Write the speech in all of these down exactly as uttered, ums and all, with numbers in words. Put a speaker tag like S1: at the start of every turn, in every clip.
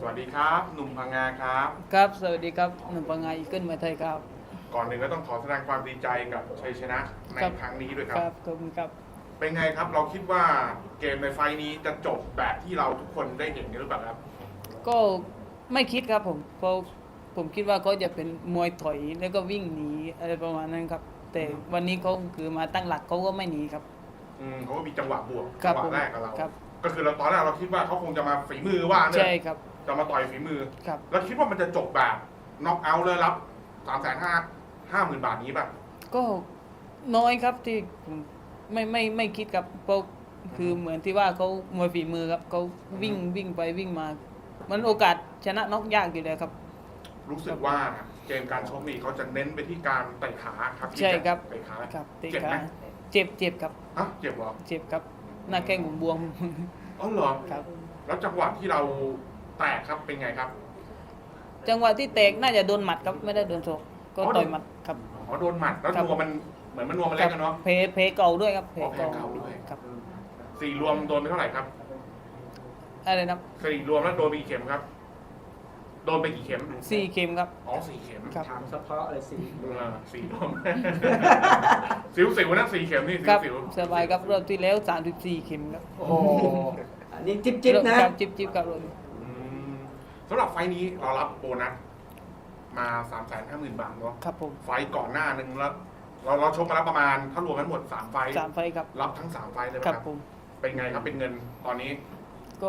S1: วัสดีครับหนุ่มพังงาครับ
S2: ครับสวัสดีครับหนุ่มปังไงอีเกิลมาไทยครับ
S1: ก่อนหนึ่งก็ต้องขอแสดงความดีใจกับชัยชนะใน
S2: ครับ
S1: ครั้งนี้ด้วยค
S2: ครับ รับขอบคุณครับ
S1: เป็นไงครับเราคิดว่าเกมในไฟล์นี้จะจบแบบที่เราทุกคนได้เห็นกันหรือเปล่าครับ
S2: ก็ไม่คิดครับผมเพราะผมคิดว่าเขาจะเป็นมวยถอยแล้วก็วิ่งหนีอะไรประมาณนั้นครับแต่วันนี้เขาคือมาตั้งหลักเขาก็ไม่หนีครับ
S1: อืมเขาก็มีจังหวะบวก
S2: ครั
S1: จั
S2: บ
S1: งหวะแรกกับเรา
S2: ครับ
S1: ก็คือเราตอนแรกเราคิดว่าเขาคงจะมาฝีมือว่าเนี่
S2: ใช่
S1: ย
S2: ครับ
S1: จะมาต่อยฝีมือ
S2: ครับ
S1: แล้วคิดว่ามันจะจบแบบน็อกเอาท์เลยรับสามแสนห้าห้าหมื่นบาทนี้ป่ะ
S2: ก็น้อยครับที่ผมไม่ไม่ไม่คิดครับเพราะคือเหมือนที่ว่าเขามวยฝีมือครับเขาวิ่งวิ่งไปวิ่งมา มันโอกาสชนะน็อกยากอยู่แล้วครับ
S1: รู้สึกว่าเกมการชกนี่เขาจะเน้นไปที่การเตะขาครับ
S2: ใช่ครับ
S1: เตะขา
S2: ครับเตะ
S1: เจ็บ
S2: ขา
S1: ไหม
S2: เจ็บเจ็บครับ
S1: อ่ะเจ็บเหรอ
S2: เจ็บครับหน้าแข้งผมบวม
S1: อ๋อเหรอ
S2: ครับ
S1: แล้วจังหวะที่เราแตกครับเป็นไงครับ
S2: จังหวะที่แตกน่าจะโดนหมัดครับไม่ได้โดนศอกก็
S1: อ๋อ
S2: ต่อยหมัดครับ
S1: อ๋อโดนหมัดแล้ว
S2: ครับ
S1: นัวมันเหมือนมันนัวมันเล็กกันเนาะ
S2: เพเพเก่าด้วยครับเพ
S1: อ๋อเพ
S2: เก่า
S1: เก่าด้วย
S2: ครับ
S1: สี่รวมโดนไปเท่าไหร่ครับ
S2: อะไรนะ
S1: สี่รวมแล้วโดนไปกี่เข็มครับ โดนไปกี่เข็ม
S2: สี่เข็มครับ
S1: อ๋อสี่เข็ม
S2: ครับ
S3: ถามเฉพาะเลยสิ
S1: เออสี่รวม สิวสิวนะสี่เข็มนี่สิ
S2: คว รับ
S1: สิว
S2: สบายครับรอบที่แล้วสามสิบสี่เข็มครับ
S3: โอ้โหอันนี้จิ๊บจิ๊บนะครับ
S2: จิบจิบครับรอบ
S1: อืมสำหรับไฟล์นี้เรารับโบนัสมาสามแสนห้าหมื่นบาทเนาะ
S2: ครับผม
S1: ไฟล์ก่อนหน้านึงแล้ว เราเราชกมาแล้วประมาณถ้ารวมกันหมดสามไฟล์
S2: สามไฟครับ
S1: รับทั้งสามไฟล์เลยไหม
S2: ค
S1: ค
S2: รั
S1: รั
S2: บบ ผม
S1: เป็นไงครับเป็นเงินตอนนี้
S2: ก็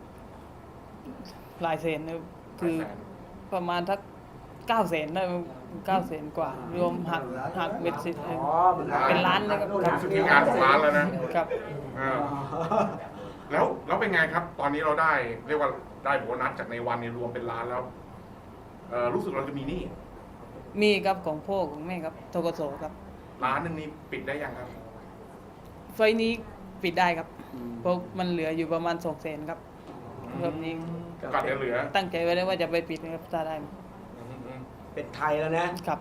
S2: หลายแสนนะครับคือ
S1: หลายแสน
S2: ประมาณทักเก้าแสนได้เก้าแสนกว่า รวมหักหักเบ็ดเสร็จ
S3: อ๋อ
S2: เป็นล้านนะครับ
S1: รู้สึกที่งานของร้านแล้วนะครับ อ่า
S3: อ๋อ
S1: แล้วแล้วเป็นไงครับ ตอนนี้เราได้เรียกว่าได้โบนัสจากในวันนี้รวมเป็นล้านแล้วเออรู้สึกเราจะมีหนี้
S2: มีครับของพ่อของแม่ครับทกศครับ
S1: ล้านหนึ่งนี้ปิดได้ยังครับ
S2: ไฟล์นี้ปิดได้ครับ เพราะมันเหลืออยู่ประมาณสองแสนครับรอบนี้
S1: กัดจะเหลือ
S2: ตั้งใจไว้แล้วว่าจะไปปิดนะครับถ้าได้
S1: อืมอืม
S3: เป็นไทยแล้วนะ
S2: ครับ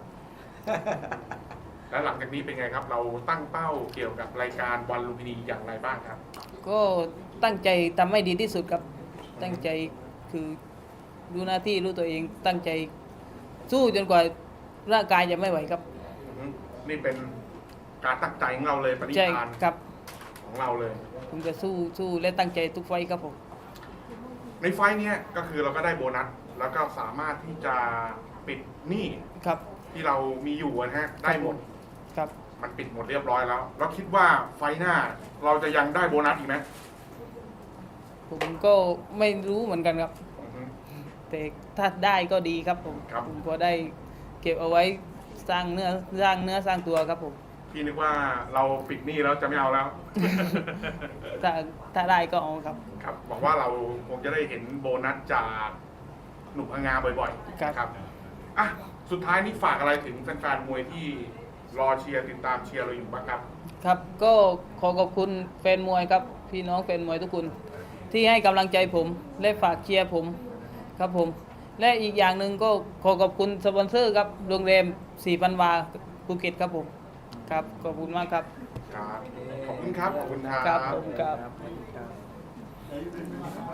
S1: แล้วหลังจากนี้เป็นไงครับ เราตั้งเป้าเกี่ยวกับรายการวันลุมพินีอย่างไรบ้างครับ
S2: ก็ตั้งใจทำให้ดีที่สุดครับ ตั้งใจคือรู้หน้าที่รู้ตัวเอง ตั้งใจสู้จนกว่าร่างกายจะไม่ไหวครับ
S1: อืมนี่เป็นการตั้งใจของเราเลยปณิ
S2: ใช่
S1: ธาน
S2: ครับ
S1: ของเราเลย
S2: ผมจะสู้สู้และตั้งใจทุกไฟต์ครับผม
S1: ในไฟล์เนี้ยก็คือเราก็ได้โบนัส แล้วก็สามารถที่จะปิดหนี้
S2: ครับ
S1: ที่เรามีอยู่นะฮะได้หมด
S2: ครับ
S1: มันปิดหมดเรียบร้อยแล้ว แล้วคิดว่าไฟล์หน้าเราจะยังได้โบนัสอีกไหม
S2: ผมก็ไม่รู้เหมือนกันครับ
S1: อือฮึ
S2: แต่ถ้าได้ก็ดีครับผม
S1: ครับ
S2: ผมก็ได้เก็บเอาไว้สร้างเนื้อสร้างเนื้อสร้างตัวครับผม
S1: พี่นึกว่าเราปิดหนี้แล้วจะไม่เอาแล้ว
S2: ถ้าถ้าได้ก็เอาครับ
S1: ครับหวังว่าเราคงจะได้เห็นโบนัสจากหนุ่มพังงาบ่อยๆ
S2: ครับ
S1: นะครับอ่ะสุดท้ายนี่ฝากอะไรถึงแฟนๆมวยที่รอเชียร์ติดตามเชียร์เราอยู่บ้างครับ
S2: ครับก็ขอขอบคุณแฟนมวยครับ พี่น้องแฟนมวยทุกคนที่ให้กำลังใจผมและฝากเชียร์ผมครับผม และอีกอย่างหนึ่งก็ขอขอบคุณสปอนเซอร์ครับโรงแรมสี่พันวาภูเก็ตครับผมครับขอบคุณมากครับ
S1: ครับ ขอบคุณครับ ขอบคุณครั
S2: ครับ
S1: บ
S2: ผมครับ
S3: ครับ